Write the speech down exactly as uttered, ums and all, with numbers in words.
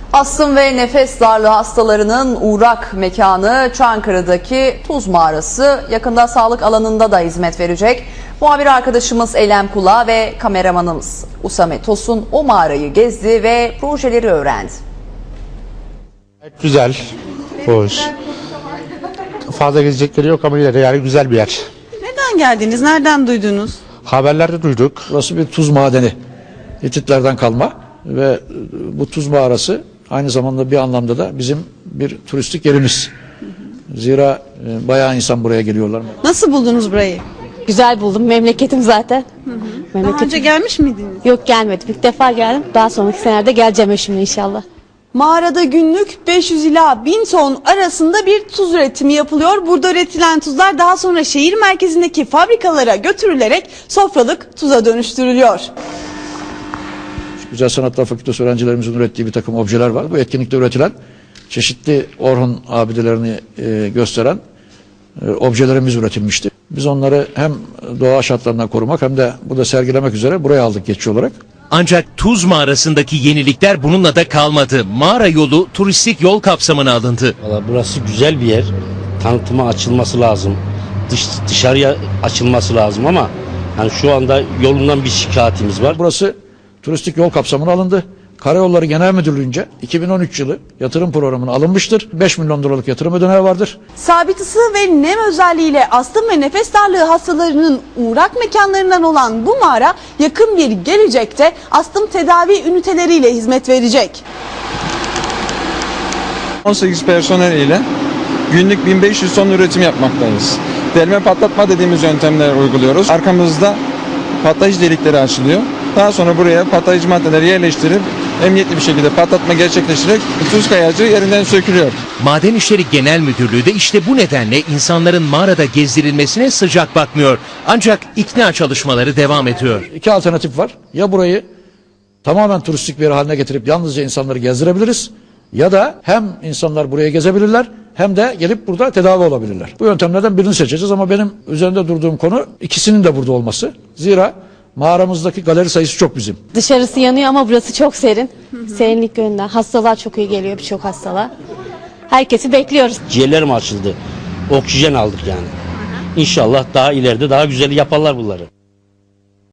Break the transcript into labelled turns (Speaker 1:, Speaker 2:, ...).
Speaker 1: Astım ve nefes darlığı hastalarının uğrak mekanı Çankırı'daki Tuz Mağarası yakında sağlık alanında da hizmet verecek. Muhabir arkadaşımız Eylem Kula ve kameramanımız Usame Tosun o mağarayı gezdi ve projeleri öğrendi.
Speaker 2: Güzel, hoş. Fazla gezecekleri yok ama yine de yani güzel bir yer.
Speaker 3: Neden geldiniz? Nereden duydunuz?
Speaker 2: Haberlerde duyduk.
Speaker 4: Burası bir tuz madeni. Hititlerden kalma ve bu tuz mağarası aynı zamanda bir anlamda da bizim bir turistik yerimiz. Zira e, bayağı insan buraya geliyorlar.
Speaker 3: Nasıl buldunuz burayı?
Speaker 5: Güzel buldum. Memleketim zaten.
Speaker 3: Daha
Speaker 5: Memleketim.
Speaker 3: önce gelmiş miydiniz?
Speaker 5: Yok, gelmedim. İlk defa geldim. Daha sonraki senelerde geleceğim eşimle inşallah.
Speaker 3: Mağarada günlük beş yüz ila bin ton arasında bir tuz üretimi yapılıyor. Burada üretilen tuzlar daha sonra şehir merkezindeki fabrikalara götürülerek sofralık tuza dönüştürülüyor.
Speaker 4: Güzel Sanatlar Fakültesi öğrencilerimizin ürettiği bir takım objeler var. Bu etkinlikte üretilen çeşitli Orhun abidelerini e, gösteren e, objelerimiz üretilmişti. Biz onları hem doğa şartlarından korumak hem de burada sergilemek üzere buraya aldık geçici olarak.
Speaker 6: Ancak Tuz Mağarası'ndaki yenilikler bununla da kalmadı. Mağara yolu turistik yol kapsamına alındı.
Speaker 7: Valla burası güzel bir yer. Tanıtıma açılması lazım. Dış, dışarıya açılması lazım ama yani şu anda yolundan bir şikayetimiz var.
Speaker 4: Burası turistik yol kapsamına alındı. Karayolları Genel Müdürlüğü'nce iki bin on üç yılı yatırım programına alınmıştır. beş milyon dolarlık yatırım ödeneği vardır.
Speaker 3: Sabit ısı ve nem özelliğiyle astım ve nefes darlığı hastalarının uğrak mekanlarından olan bu mağara yakın bir gelecekte astım tedavi üniteleriyle hizmet verecek.
Speaker 8: on sekiz personel ile günlük bin beş yüz ton üretim yapmaktayız. Delme patlatma dediğimiz yöntemler uyguluyoruz. Arkamızda patlayıcı delikleri açılıyor. Daha sonra buraya patlayıcı maddeleri yerleştirip emniyetli bir şekilde patlatma gerçekleştirerek tuz kayacı yerinden sökülüyor.
Speaker 6: Maden İşleri Genel Müdürlüğü de işte bu nedenle insanların mağarada gezdirilmesine sıcak bakmıyor. Ancak ikna çalışmaları devam ediyor.
Speaker 4: İki alternatif var. Ya burayı tamamen turistik bir yer haline getirip yalnızca insanları gezdirebiliriz. Ya da hem insanlar buraya gezebilirler hem de gelip burada tedavi olabilirler. Bu yöntemlerden birini seçeceğiz ama benim üzerinde durduğum konu ikisinin de burada olması. Zira mağaramızdaki galeri sayısı çok bizim.
Speaker 5: Dışarısı yanıyor ama burası çok serin. Serinlik yönünden. Hastalar çok iyi geliyor, birçok hastalar. Herkesi bekliyoruz.
Speaker 7: Ciğerlerim açıldı. Oksijen aldık yani. İnşallah daha ileride daha güzel yaparlar bunları.